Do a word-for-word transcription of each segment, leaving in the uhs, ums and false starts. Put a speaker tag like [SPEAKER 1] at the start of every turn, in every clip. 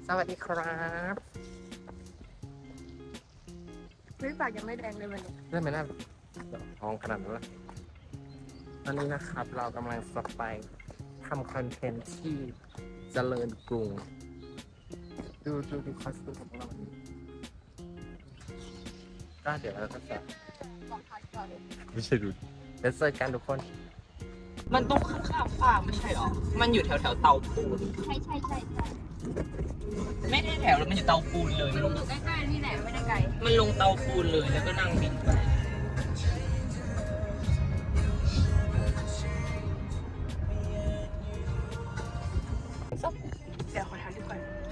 [SPEAKER 1] สวัสดีครับ
[SPEAKER 2] ไม่ปากยังไม่แดงเลยวันนี้
[SPEAKER 1] เริ่มไม่น่าท้องขนาดนั้นละตอนนี้นะครับเรากำลังจะไปทำคอนเทนต์ที่เจริญกรุง ดูดูดูคอสตูมของเราก็เดี๋ยวเราก็จะไม่ใช่ดูเดี๋ยวเจอกันทุกคน
[SPEAKER 3] มันต้องข้ามๆฟ้าไม่ใช่หรอ มันอยู่แถวแถวเตาปูน
[SPEAKER 2] ใช่ใช่ใช่ใช่
[SPEAKER 3] ไม่ได้แถวแล้วมันอยู่เตาปูนเลย
[SPEAKER 2] มันอยู่ใกล้ๆนี่แหละไม่ได้ไกล
[SPEAKER 3] มันลงเตาปูนเลยแล้วก็นั่งบินไป
[SPEAKER 2] เดี๋ยวขอถามดีกว่า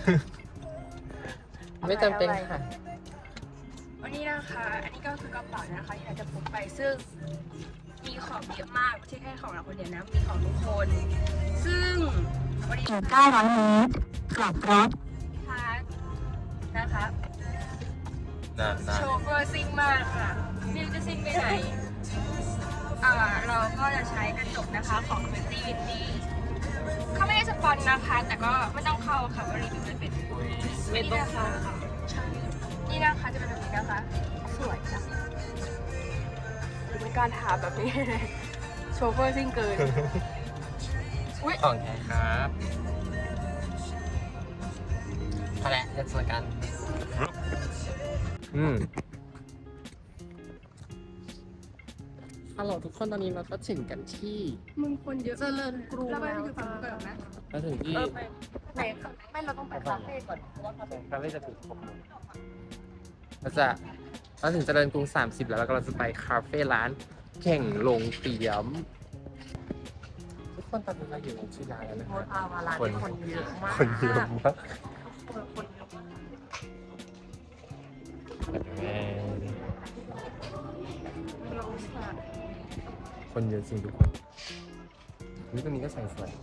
[SPEAKER 1] ไม่จำเป็นค่ะ
[SPEAKER 2] วันนี้นะคะ อันนี้ก็คือกระเป๋านะคะที่เราจะพกไปซึ่งมีของเยอะมากไม่ใช่แค่ของเราคนเดียวนะมีของทุกคน ซึ่งวันนี้เก้าร้อยเมตรกลับรถพักนะคะ
[SPEAKER 1] นานนาน
[SPEAKER 2] โชเฟอร์ซิ่งมากค่ะไม่รู้จะซิ่งไปไหนอ่าเราก็จะใช้กระจกนะคะของเฟนตี้วินดี้เขาไม่ได้สปอนนะคะ แต่ก็ไม่ต้องเข้าค่ะว่ารีวิวไม่เป็น
[SPEAKER 3] ไม่ต้องเข้า
[SPEAKER 2] นี่นะคะจะเป็นแบบนี้นะคะ สวยจังเป็นการถามแบบนี้ โชเฟอร์ซิ่งเกิน อุ๊ย
[SPEAKER 1] ของแท้ครับพอแล้วเดี๋ยวเจอกัน อืมฮัลโหลทุกคนตอนนี้เราก็ถึงกันที่
[SPEAKER 2] มึงคนเยอะเจริญกรุงเราไปอยู่ฝั่งนู้นก่อนนะ
[SPEAKER 1] เราถึงที่
[SPEAKER 2] ไหนไม่เราต้องไปคาเฟ่ก่อนเพราะว่าคาเฟ่
[SPEAKER 1] คาเฟ่จะถึงหกโมงเราจะเราถึงเจริญกรุงสามสิบแล้วแล้วก็เราจะไปคาเฟ่ร้านแข่งลงเตียม ทุกคนตอนนี้เราอยู่ในชื่อร้านแล้วนะ
[SPEAKER 2] โม
[SPEAKER 1] คะ
[SPEAKER 2] ทาวาลาคนเยอะมาก
[SPEAKER 1] คนเยอะมาก
[SPEAKER 2] คนเยอะมาก
[SPEAKER 1] คนเยอะจริงทุกคนนี่ตรงนี้ก็ใส่สวย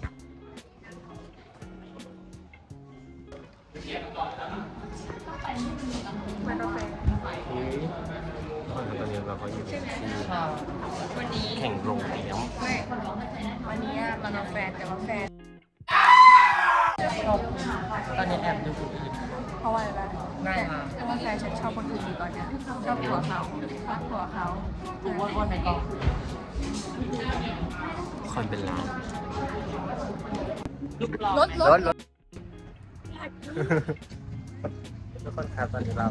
[SPEAKER 2] มันกาแฟ
[SPEAKER 1] เฮ้ยตอนนี้เราก็อยู่ที่
[SPEAKER 2] วันนี้
[SPEAKER 1] แข่งลงเตียม
[SPEAKER 2] ไม่วันนี้มันกาแฟแต่ว่าแฟน
[SPEAKER 1] ตอนนี้แอบดูคนอื่น
[SPEAKER 2] เพราะว่าอะไร
[SPEAKER 1] ง่ายมาก
[SPEAKER 2] แต่ว่าแฟนฉันชอบคนอื่นอยู่ตอนเนี้ยชอบผัวเขาชอบผัวเขา
[SPEAKER 1] กูวนวนไปก่อนคนเป็นล้าน
[SPEAKER 2] รถร
[SPEAKER 1] ร
[SPEAKER 2] ถ
[SPEAKER 1] ถรถทุกคนครับตอนนี้เรา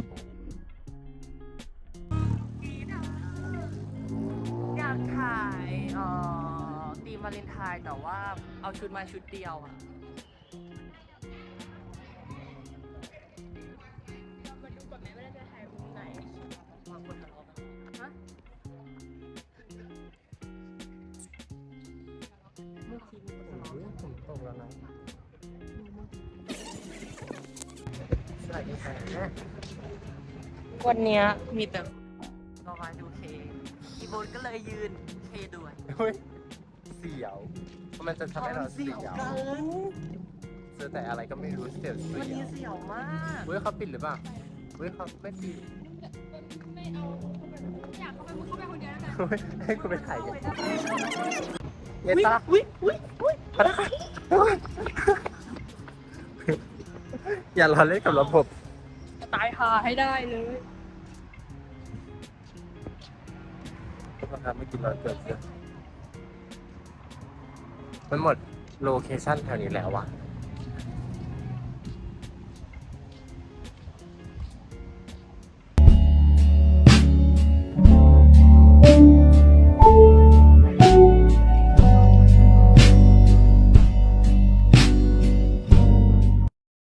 [SPEAKER 3] อยากถ่ายเอ่อตีมวาเลนไทน์แต่ว่าเอาชุดมาชุดเดียวอ่ะ
[SPEAKER 2] มาดูก่อนไหมว่าจะถ่ายมุมไหน
[SPEAKER 3] บางคนทะเลาะกัน
[SPEAKER 2] ฮะ
[SPEAKER 3] เมื่อกี้มีคนทะเลาะ
[SPEAKER 1] อุ๊ย
[SPEAKER 3] กัน
[SPEAKER 1] ผมตกแล้วนะสวัสดีค่ะ
[SPEAKER 3] วันเนี้ยมีแต่รอมาดูเคอีโบนก็เลยยืนเคด้วย
[SPEAKER 1] เฮ้ยเสียวเพราะมันจะทำให้เราเสียว
[SPEAKER 3] น
[SPEAKER 1] เจอแต่อะไรก็ไม่รู้เสียวเสี
[SPEAKER 3] วันนี้
[SPEAKER 1] ยว
[SPEAKER 3] เสียวมาก
[SPEAKER 1] เฮ้ยเขาปิดหรือเปล่าเฮ้ยเขาไม่ปิด
[SPEAKER 2] ไม่เอาอยากเข้าไปมึงเข้าไปคนเดียวแล้วกัน
[SPEAKER 1] เฮ้ยให้คุณไปถ่ายกันเย็นตา
[SPEAKER 3] อุ้ยอุ้ยอุ้ย
[SPEAKER 1] พนักงานอย่าล้อเล่นกับระบบ
[SPEAKER 2] จะตายหาให้ได้เลย
[SPEAKER 1] นะครับไม่กินเราเกิดเยอะมันหมดโลเคชั่นแถวนี้แล้ววะ